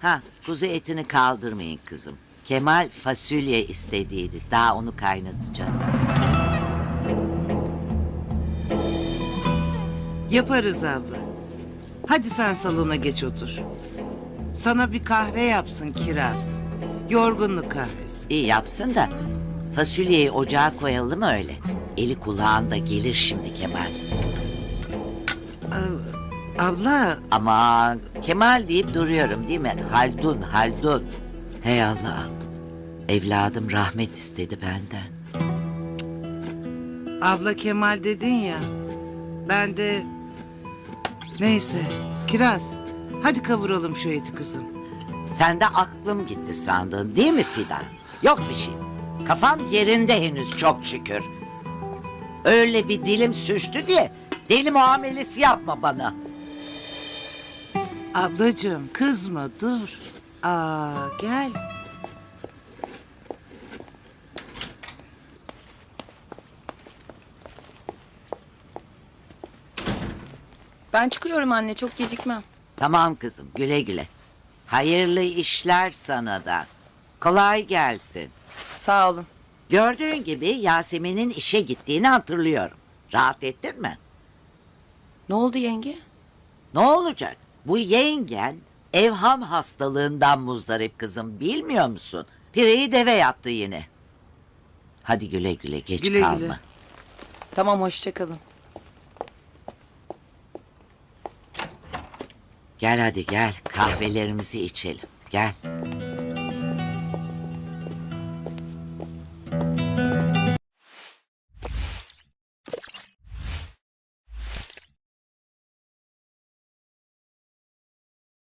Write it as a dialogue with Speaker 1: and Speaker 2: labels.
Speaker 1: Ha, kuzu etini kaldırmayın kızım. Kemal fasulye istediydi. Daha onu kaynatacağız.
Speaker 2: Yaparız abla. Hadi sen salona geç otur. Sana bir kahve yapsın Kiraz. Yorgunluk kahvesi.
Speaker 1: İyi yapsın da fasulyeyi ocağa koyalım öyle. Eli kulağında gelir şimdi Kemal.
Speaker 2: Abla
Speaker 1: Aman Kemal deyip duruyorum değil mi? Haldun, Haldun. Hey Allah. Evladım rahmet istedi benden.
Speaker 2: Abla Kemal dedin ya. Ben de... Neyse. Kiraz. Hadi kavuralım şu eti kızım.
Speaker 1: Sen de aklım gitti sandın değil mi Fidan? Yok bir şey. Kafam yerinde henüz çok şükür. Öyle bir dilim sürçtü diye deli muamelesi yapma bana.
Speaker 2: Ablacığım kızma dur. Gel.
Speaker 3: Ben çıkıyorum anne, çok gecikmem.
Speaker 1: Tamam kızım, güle güle. Hayırlı işler sana da. Kolay gelsin.
Speaker 3: Sağ olun.
Speaker 1: Gördüğün gibi Yasemin'in işe gittiğini hatırlıyorum. Rahat ettin mi?
Speaker 3: Ne oldu yenge?
Speaker 1: Ne olacak? Bu yengen evham hastalığından muzdarip kızım, bilmiyor musun? Pireyi deve yaptı yine. Hadi güle güle, geç
Speaker 2: Güle
Speaker 1: kalma.
Speaker 2: güle.
Speaker 3: Tamam, hoşça kalın.
Speaker 1: Gel hadi gel, kahvelerimizi içelim. Gel.